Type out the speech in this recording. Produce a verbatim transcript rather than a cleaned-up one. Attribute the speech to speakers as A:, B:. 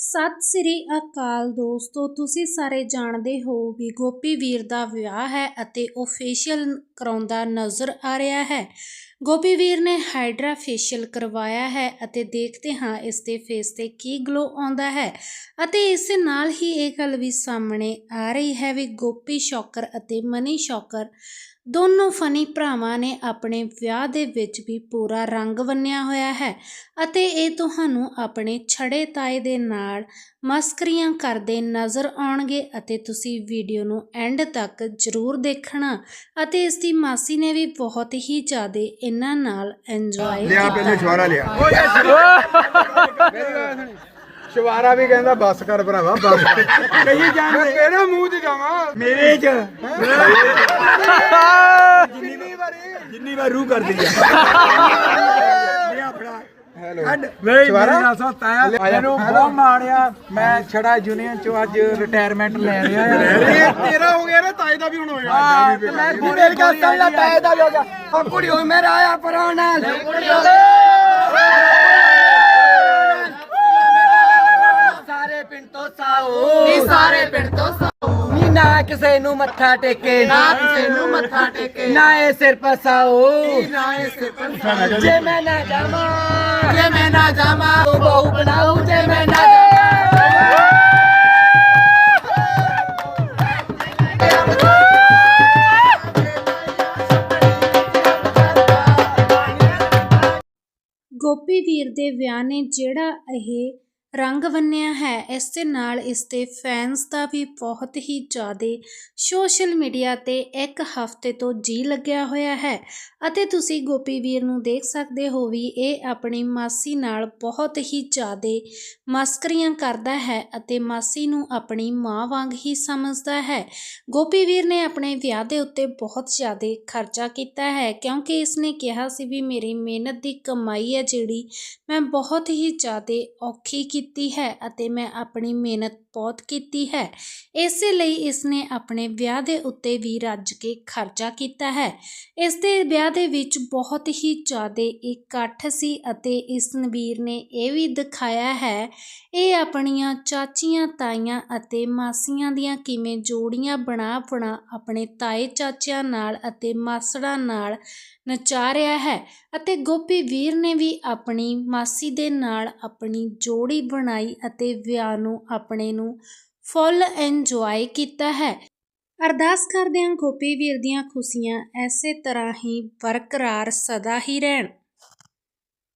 A: ਸਤਿ ਸ੍ਰੀ ਅਕਾਲ ਦੋਸਤੋ, ਤੁਸੀਂ ਸਾਰੇ ਜਾਣਦੇ ਹੋ ਵੀ ਗੋਪੀ ਵੀਰ ਦਾ ਵਿਆਹ ਹੈ ਅਤੇ ਉਹ ਫੇਸ਼ੀਅਲ ਕਰਾਉਂਦਾ ਨਜ਼ਰ ਆ ਰਿਹਾ ਹੈ। ਗੋਪੀ ਵੀਰ ਨੇ ਹਾਈਡਰਾ ਫੇਸ਼ੀਅਲ ਕਰਵਾਇਆ ਹੈ ਅਤੇ ਦੇਖਦੇ ਹਾਂ ਇਸ ਦੇ ਫੇਸ ਤੇ ਕੀ ਗਲੋ ਆਉਂਦਾ ਹੈ ਅਤੇ ਇਸ ਨਾਲ ਹੀ ਇਹ ਗੱਲ ਵੀ ਸਾਹਮਣੇ ਆ ਰਹੀ ਹੈ ਵੀ ਗੋਪੀ ਸ਼ੌਕਰ ਅਤੇ ਮਨੀ ਸ਼ੌਕਰ ਦੋਨੋਂ ਫਨੀ ਭਰਾਵਾਂ ਨੇ ਆਪਣੇ ਵਿਆਹ ਦੇ ਵਿੱਚ ਵੀ ਪੂਰਾ ਰੰਗ ਬੰਨਿਆ ਹੋਇਆ ਹੈ ਅਤੇ ਇਹ ਤੁਹਾਨੂੰ ਆਪਣੇ ਛੜੇ ਤਾਏ ਦੇ ਨਾਲ ਮਸਕਰੀਆਂ ਕਰਦੇ ਨਜ਼ਰ ਆਉਣਗੇ ਅਤੇ ਤੁਸੀਂ ਵੀਡੀਓ ਨੂੰ ਐਂਡ ਤੱਕ ਜ਼ਰੂਰ ਦੇਖਣਾ। ਅਤੇ ਇਸ ਦੀ ਮਾਸੀ ਨੇ ਵੀ ਬਹੁਤ ਹੀ ਜ਼ਿਆਦਾ ਇਹਨਾਂ ਨਾਲ ਇੰਜੋਏ
B: ਲਿਆ ਪਹਿਲੇ ਸ਼ਵਾਰਾ ਲਿਆ ਸ਼ਵਾਰਾ ਵੀ ਕਹਿੰਦਾ ਬੱਸ ਕਰ ਭਰਾਵਾ ਬੱਸ ਕਹੀ ਜਾਣ ਕਿਹੜਾ ਮੂੰਹ 'ਚ ਜਾਵਾਂ ਮੇਰੇ 'ਚ ਜਿੰਨੀ ਵਾਰੀ ਜਿੰਨੀ ਵਾਰ ਰੂਹ ਕਰਦੀ ਆ ਲਿਆ ਫੜਾ ਹੈਲੋ ਸ਼ਵਾਰਾ ਸੋਤਾ ਮੈਨੂੰ ਬਹੁਤ ਮਾਣਿਆ। ਮੈਂ ਛੜਾ ਯੂਨੀਅਨ ਚੋਂ ਅੱਜ ਰਿਟਾਇਰਮੈਂਟ ਲੈ ਰਿਹਾ ਆ। ਤੇਰਾ ਹੋ ਗਿਆ ਨਾ ਤਾਏ ਦਾ ਵੀ ਹੁਣ ਹੋਇਆ। ਹਾਂ ਤੇ ਮੈਂ ਪੂਰੇ ਗੱਲ ਸੁਣ ਲੈ, ਤਾਏ ਦਾ ਵੀ ਹੋ ਗਿਆ। ਉਹ ਕੁੜੀ ਹੋਈ ਮੇਰਾ ਆਇਆ ਪਰਾਂ ਨਾਲ ਸਾਰੇ ਪਿੰਡ ਤੋਂ ਸਾਓ ਨੀ ਸਾਰੇ ਪਿੰਡ ਤੋਂ ਸਾਓ ਨੀ ਨਾ ਕਿਸੇ ਨੂੰ ਮੱਥਾ ਟੇਕੇ ਨਾ ਕਿਸੇ ਨੂੰ ਮੱਥਾ ਟੇਕੇ ਨਾ ਇਹ ਸਿਰ ਪਸਾਓ ਨਾ ਇਹ ਸਿਰ ਪਸਾਓ ਜੇ ਮੈਂ ਨਾ ਜਾਵਾਂ ਜੇ ਮੈਂ ਨਾ ਜਾਵਾਂ ਤੂੰ ਬਹੂ ਬਣਾਉ ਜੇ ਮੈਂ ਨਾ
A: ਗੋਪੀ ਵੀਰ ਦੇ ਵਿਆਹ ਨੇ ਜਿਹੜਾ ਇਹ ਰੰਗ ਬੰਨਿਆ ਹੈ, ਇਸ ਦੇ ਨਾਲ ਇਸ ਦੇ ਫੈਨਸ ਦਾ ਵੀ ਬਹੁਤ ਹੀ ਜ਼ਿਆਦਾ ਸੋਸ਼ਲ ਮੀਡੀਆ ਤੇ ਇੱਕ ਹਫ਼ਤੇ ਤੋਂ ਜੀ ਲੱਗਿਆ ਹੋਇਆ ਹੈ ਅਤੇ ਤੁਸੀਂ ਗੋਪੀ ਵੀਰ ਨੂੰ ਦੇਖ ਸਕਦੇ ਹੋ ਵੀ ਇਹ ਆਪਣੀ ਮਾਸੀ ਨਾਲ ਬਹੁਤ ਹੀ ਜ਼ਿਆਦਾ ਮਸਕਰੀਆਂ ਕਰਦਾ ਹੈ ਅਤੇ ਮਾਸੀ ਨੂੰ ਆਪਣੀ ਮਾਂ ਵਾਂਗ ਹੀ ਸਮਝਦਾ ਹੈ। ਗੋਪੀ ਵੀਰ ਨੇ ਆਪਣੇ ਵਿਆਹ ਦੇ ਉੱਤੇ ਬਹੁਤ ਜ਼ਿਆਦਾ ਖਰਚਾ ਕੀਤਾ ਹੈ ਕਿਉਂਕਿ ਇਸਨੇ ਕਿਹਾ ਸੀ ਵੀ ਮੇਰੀ ਮਿਹਨਤ ਦੀ ਕਮਾਈ ਹੈ ਜਿਹੜੀ ਮੈਂ ਬਹੁਤ ਹੀ ਜ਼ਿਆਦਾ ਔਖੀ ਕੀਤੀ ਹੈ ਅਤੇ ਮੈਂ ਆਪਣੀ ਮਿਹਨਤ ਬਹੁਤ ਕੀਤੀ ਹੈ, ਇਸੇ ਲਈ ਇਸਨੇ ਆਪਣੇ ਵਿਆਹ ਦੇ ਉੱਤੇ ਵੀ ਰੱਜ ਕੇ ਖਰਚਾ ਕੀਤਾ ਹੈ। ਇਸ ਦੇ ਵਿਆਹ ਦੇ ਵਿੱਚ ਬਹੁਤ ਹੀ ਜ਼ਿਆਦਾ ਇਕੱਠ ਸੀ ਅਤੇ ਇਸ ਵੀਰ ਨੇ ਇਹ ਵੀ ਦਿਖਾਇਆ ਹੈ ਇਹ ਆਪਣੀਆਂ ਚਾਚੀਆਂ ਤਾਈਆਂ ਅਤੇ ਮਾਸੀਆਂ ਦੀਆਂ ਕਿਵੇਂ ਜੋੜੀਆਂ ਬਣਾ ਬਣਾ ਆਪਣੇ ਤਾਏ ਚਾਚਿਆਂ ਨਾਲ ਅਤੇ ਮਾਸੜਾਂ ਨਾਲ ਨਚਾ ਰਿਹਾ ਹੈ ਅਤੇ ਗੋਪੀ ਵੀਰ ਨੇ ਵੀ ਆਪਣੀ ਮਾਸੀ ਦੇ ਨਾਲ ਆਪਣੀ ਜੋੜੀ ਬਣਾਈ ਅਤੇ ਵਿਆਹ ਨੂੰ ਆਪਣੇ ਨੂੰ ਫੁੱਲ ਇੰਜੋਏ ਕੀਤਾ ਹੈ। ਅਰਦਾਸ ਕਰਦੇ ਹਾਂ ਗੋਪੀ ਵੀਰ ਦੀਆਂ ਖੁਸ਼ੀਆਂ ਐਸੇ ਤਰ੍ਹਾਂ ਹੀ ਬਰਕਰਾਰ ਸਦਾ ਹੀ ਰਹਿਣ।